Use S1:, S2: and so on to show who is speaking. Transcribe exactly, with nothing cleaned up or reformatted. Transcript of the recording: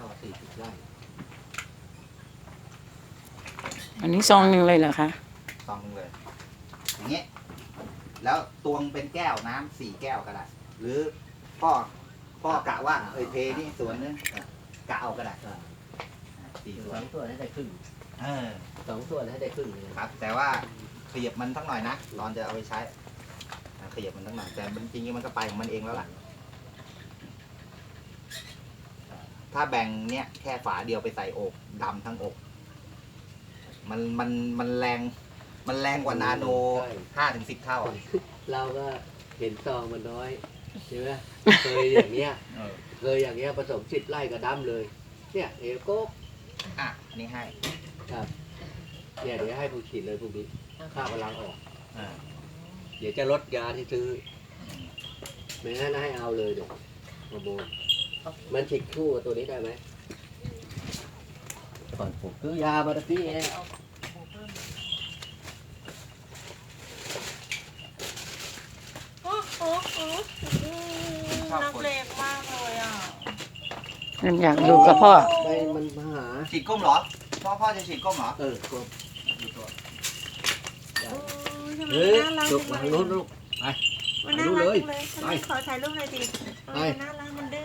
S1: สี่สิบไร่
S2: อันนี้ซองหนึ่งเลยเหรอคะ
S3: ซองหนึงเลย อย่างเงี้ยแล้วตวงเป็นแก้วน้ำสี่แก้วก็ได้ หรือพ่อพ่อกะว่าเอ้ยเทนี่ส่วนนึงกะเอาก็ได้สี่ส่
S1: ส
S3: ว
S1: อน งส่วนให้ได้ครึ่ง
S3: เออ
S1: สองส่วนให้ได้ครึ่งเลย
S3: ครับ แต่ว่าขยับมันสักหน่อยนะตอนจะเอาไปใช้อ่าขยับมันสักหน่อยแต่มันจริงๆมันก็ไปของมันเองแล้วล่ะ ถ้าแบ่งเนี้ยแค่ฝาเดียวไปใส่อกดำทั้งอก มันมันมันแรงมันแรงกว่านาโนห้าถึงสิบเท่าอ่ะ
S1: เราก็เห็นซองมันน้อยใช่ไหมเคยอย่างเงี้ย
S3: เออ
S1: เคยอย่างเงี้ยผสมสิบไร่กับดำเลย เนี่ยเอโก้
S3: อ่ะอันนี่ให้
S1: ครับเนี่ยเดี๋ยวให้ผู้ฉีดเลยพวกนี้ค่าพลังออก
S3: อ่า
S1: เดี๋ยวจะลดยาที่ซื้อไม่งั้นให้เอาเลยเดี๋ยวฮอร์โมนมันฉีดคู่กับตัวนี้ได้ไหมก่อนผมซื้อยามาตะกี้เอง
S4: โอ้โหนักเลงมากเลยอ่ะ
S2: มันอยากอยู่กับพ่อ
S1: ไปมันมาหา
S3: ฉีดก้มเหรอ พ่อพ่อจะฉีดก้มเหรอ
S1: เออก็
S3: ดูตัว
S4: โอ้ยทำไม
S1: เฮ้ย
S4: น่ารัก
S1: ลุ
S4: จั
S1: ก
S4: ง
S1: มา
S4: เล
S1: ทางโน้น
S4: ย
S1: ลูกไป
S4: มันน่ารักจังเลยฉัน
S1: ไป
S4: ขอถ่ายรูปหน่อยดิเออน่ารักมันดื้อ